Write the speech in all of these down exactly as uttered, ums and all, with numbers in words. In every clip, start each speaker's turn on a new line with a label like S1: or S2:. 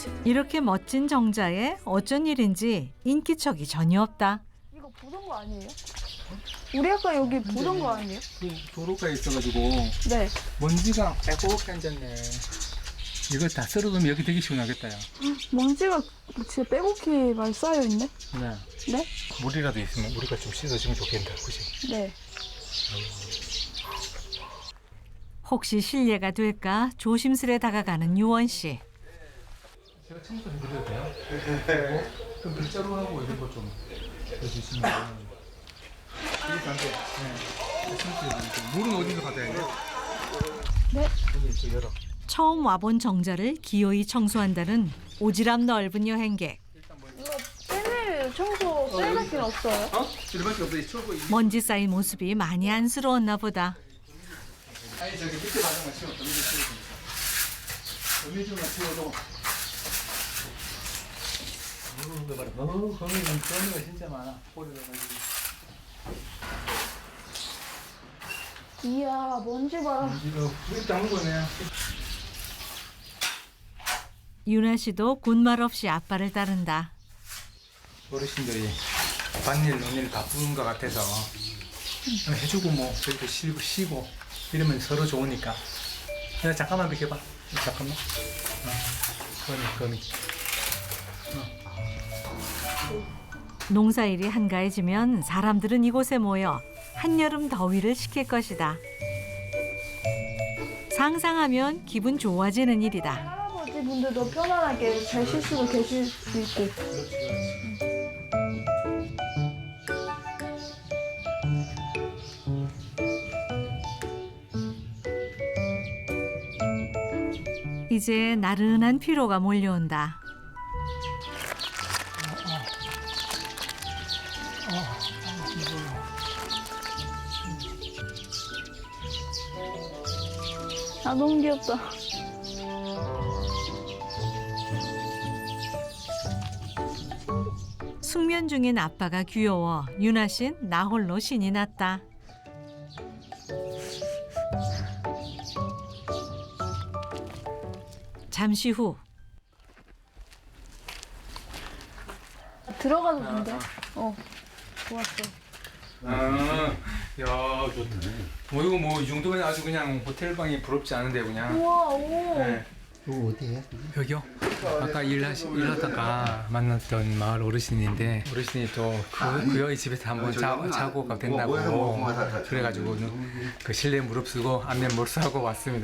S1: 이렇게 멋진 정자에 어쩐 일인지 인기척이 전혀 없다.
S2: 이거 보던 거 아니에요? 우리 아까 여기 보던 거 아니에요?
S3: 도로가에 있어가지고
S2: 네.
S3: 먼지가 빼곡히 앉았네. 이거 다 썰어두면 여기 되게 시원하겠다. 야.
S2: 먼지가 진짜 빼곡히 많이 쌓여있네?
S3: 네.
S2: 네?
S3: 물이라도 있으면 우리가 좀 씻어주면 좋겠다. 그치?
S2: 네.
S1: 혹시 실례가 될까 조심스레 다가가는 유원 씨.
S3: 제가 청소 좀 드려도 돼요? 네. 그럼 밀자루 하고 이런 거 좀 해주시면. 이게 안 돼. 네. 청소 물은 어디서 받아야 돼?
S2: 네.
S3: 여기 또 열어.
S1: 처음 와본 정자를 기어이 청소한다는 오지랖 넓은 여행객.
S2: 이거 빼낼 청소 셀밖에 없어요?
S3: 어? 이거밖에 없어. 이 초보.
S1: 먼지 쌓인 모습이 많이 안쓰러웠나 보다.
S3: 아니 저기 밑에 바닥만 치워. 거미 좀 치워주니까. 거미 좀만 치워도. 어우, 거미 좀 거미가 진짜 많아. 꼬리가가지고.
S2: 이야, 먼지 봐라.
S3: 이거 물이 담은 거네.
S1: 유나 씨도 군말 없이 아빠를 따른다.
S3: 어르신들이 밭일 논일 바쁜 것 같아서 해주고 뭐 저희도 쉬고 쉬고 이러면 서로 좋으니까. 야 잠깐만 비켜봐. 잠깐만. 어. 거미 거미.
S1: 농사일이 한가해지면 사람들은 이곳에 모여 한여름 더위를 식힐 것이다. 상상하면 기분 좋아지는 일이다.
S2: 할아버지 분들도 편안하게 잘 쉴 수도 계실 수 있고.
S1: 이제 나른한 피로가 몰려온다.
S2: 아, 너무 귀엽다.
S1: 숙면 중인 아빠가 귀여워 유나 씨는 나 홀로 신이 났다. 잠시 후
S2: 들어가도 된대. 어, 좋았어.
S3: 아, 야 좋다. 뭐 이거 뭐 이 정도면 아주 그냥 호텔 방이 부럽지 않은데 그냥.
S2: 우와, 오.
S3: 네.
S4: 이거 어디에?
S3: 여기요? 아까 일하시, 일하다가 만났던 마을 어르신인데 어르신이 또그 그 여의 집에서 한번 자, 자고 가 된다고 그래가지고 그 실내 무릎쓰고 안면 몰수하고 왔습니다.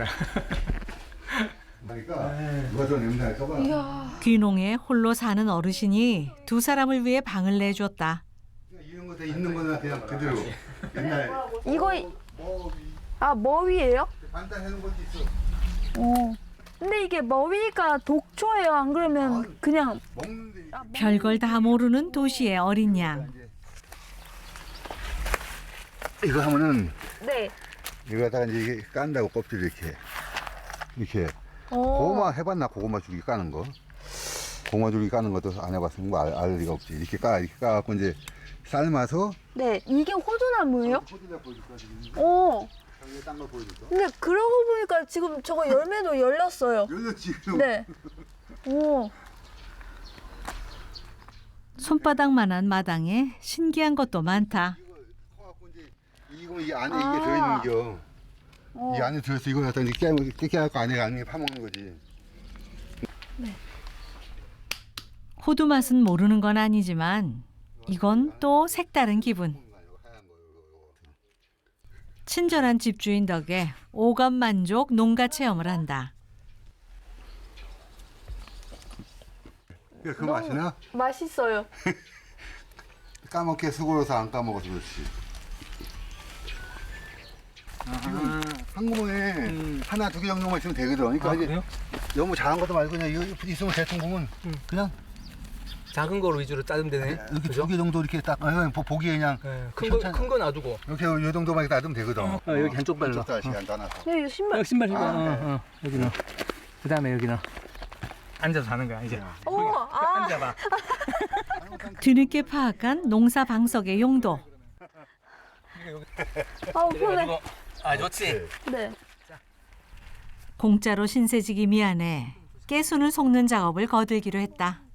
S4: 그러니까 누가 좀 냄새 날까봐.
S2: 이야.
S1: 귀농에 홀로 사는 어르신이 두 사람을 위해 방을 내줬다.
S4: 이런 거 다 있는 거는 그냥 그대로 옛날
S2: 이거, 아, 머위예요?
S4: 반찬 해놓은 것도 있어.
S2: 어. 근데 이게 머위가 독초예요? 안 그러면 그냥
S4: 먹는데
S1: 별걸 다 모르는 도시의 어린 양.
S4: 이거 하면은
S2: 네.
S4: 이거 갖다가 이제 이게 깐다고 껍질 이렇게 이렇게
S2: 어.
S4: 고구마 해봤나? 고구마 줄기 까는 거. 고구마 줄기 까는 것도 안 해봤으면 뭐 알, 알 리가 없지. 이렇게 까 이렇게 까갖고 이제 삶아서.
S2: 네, 이게 호두나무예요?
S4: 호두나 보여줄까 지금?
S2: 어.
S4: 여기 딴거 보여줄까?
S2: 근데 그러고 보니까 지금 저거 열매도 열렸어요.
S4: 열려 지금.
S2: 네. 오.
S1: 손바닥만한 마당에 신기한 것도 많다.
S4: 이거 커갖고 이제 이거 이 안에
S2: 아.
S4: 이게 들어있는 겨.
S2: 어.
S4: 이 안에 들어있어. 이거 갖다 이렇게 깨, 깨, 깨갖고 안에 안에 파먹는 거지.
S1: 호두 맛은 모르는 건 아니지만 이건 또 색다른 기분. 친절한 집주인 덕에 오감 만족 농가 체험을 한다.
S4: 그래, 그 맛이나?
S2: 맛있어요.
S4: 까먹게 수고로서 안 까먹어서 그렇지. 이거 한 구멍에
S3: 음.
S4: 하나 두 개 정도만 있으면 되거든. 그러니까
S3: 아,
S4: 이제
S3: 그래요?
S4: 너무 잘한 것도 말고 그냥 이거 있으면 대충 보면 그냥
S3: 작은 거로 위주로 짜면 되네.
S4: 이렇게 두 개 정도 이렇게 딱 아, 보- 보기에 그냥
S3: 네,
S4: 천천히-
S3: 큰 거 놔두고.
S4: 이렇게 요 정도만 이렇게 놔두면 되거든.
S3: 어, 여기 한쪽 발로.
S4: 한쪽 다시 놔놔서.
S2: 네, 이거 신발.
S3: 여기 신발 신발.
S4: 아, 네.
S3: 어, 어. 여기 넣어. 그 다음에 여기 넣어. 앉아서 하는 거야 이제.
S2: 오, 아.
S3: 앉아봐.
S1: 뒤늦게 파악한 농사 방석의 용도.
S2: 아우, 편해.
S3: 아 좋지.
S2: 네.
S1: 공짜로 신세지기 미안해. 깨순을 속는 작업을 거들기로 했다.